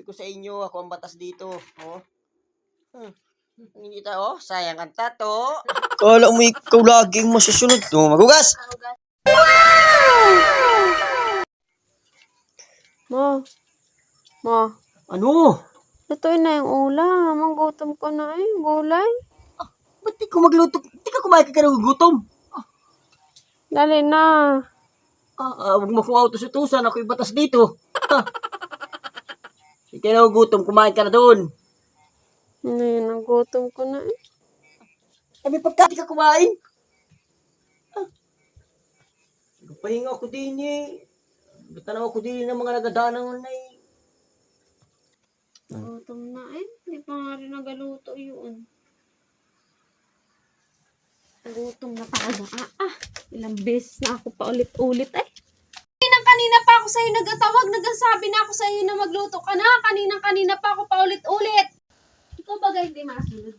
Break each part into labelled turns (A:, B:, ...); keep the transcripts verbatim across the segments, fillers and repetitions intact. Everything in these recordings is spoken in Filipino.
A: ko sa inyo, ako ang batas dito. Oh. Hmm. Hindi ta, oh, sayang ang tato. Kala mo ikaw laging masusunod. Oh, magugas!
B: Ma, ma,
A: Ano?
B: lutuin na yung ulam. Ang gutom ko na eh, gulay.
A: Ba't di ko magluto? Di ka kumain ka ka ng gutom.
B: Dali na.
A: Ah, ah, huwag mo kong autos-utusan. Ako'y batas dito. Ha? Di ka na gutom, kumain ka na doon.
B: Ngayon, ang gutom ko na eh.
A: Sabi pagka di ka kumain. Ah. Pahinga ako din eh. Tanaw ako din ng mga nagadanang na eh.
B: Gutom na eh. Hindi pa nga rin nagaluto yun. Gutom na talaga. Ah, ah. Ilang beses na ako pa ulit-ulit eh. Kanina-kanina pa ako sa'yo nagtatawag. Nagsasabi na ako sa'yo na magluto ka na. Kanina-kanina pa ako pa ulit-ulit. Ikaw bagay hindi masunod.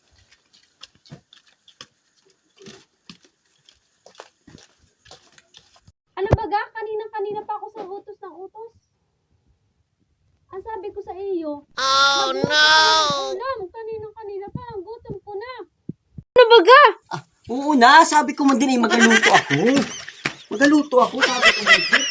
B: Ano baga? Kanina-kanina pa ako sa utos ng utos. Ang sabi ko sa iyo, oh no! Ulam, kanina-kanina pa, ang gutom ko na. Ano baga?
A: Ah, oo na, sabi ko man din eh, magaluto ako. Magaluto ako, sabi ko man din.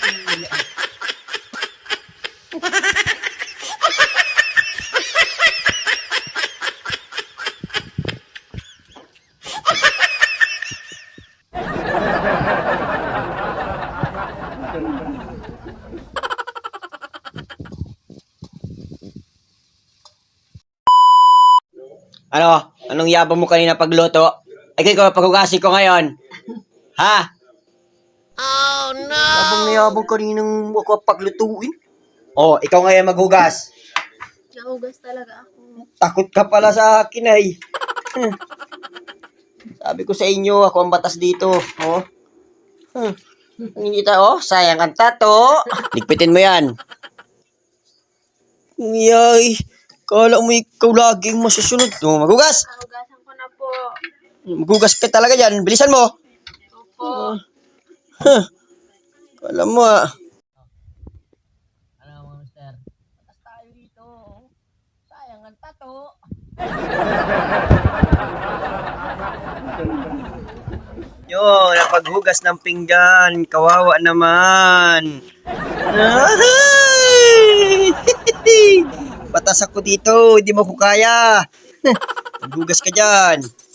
A: Ano? Anong yabang mo kanina pagluto? Ay, kaya paghugasin ko ngayon. Ha? Oh, no! Yabang na yabang kaninang ako paglutuin. Oh, ikaw ngayon maghugas.
B: Nahugas talaga ako.
A: Takot ka pala sa akin ay. Hmm. Sabi ko sa inyo, ako ang batas dito. Oh. Hmm. Hindi ta, oh, sayang ang tato. Ligpitin mo yan. Yay, kala mo ikaw laging masusunod. Oh, maghugas.
B: Nahugasan ko na po.
A: Maghugas ka talaga dyan. Bilisan mo.
B: Opo.
A: Huh. Alam mo ah. Ano mo, mister? Patas tayo dito. Sayang ang tato. Yo, napaghugas ng pinggan. Kawawa naman. Ay! Patas ako dito. Hindi mo ko kaya. Maghugas ka dyan.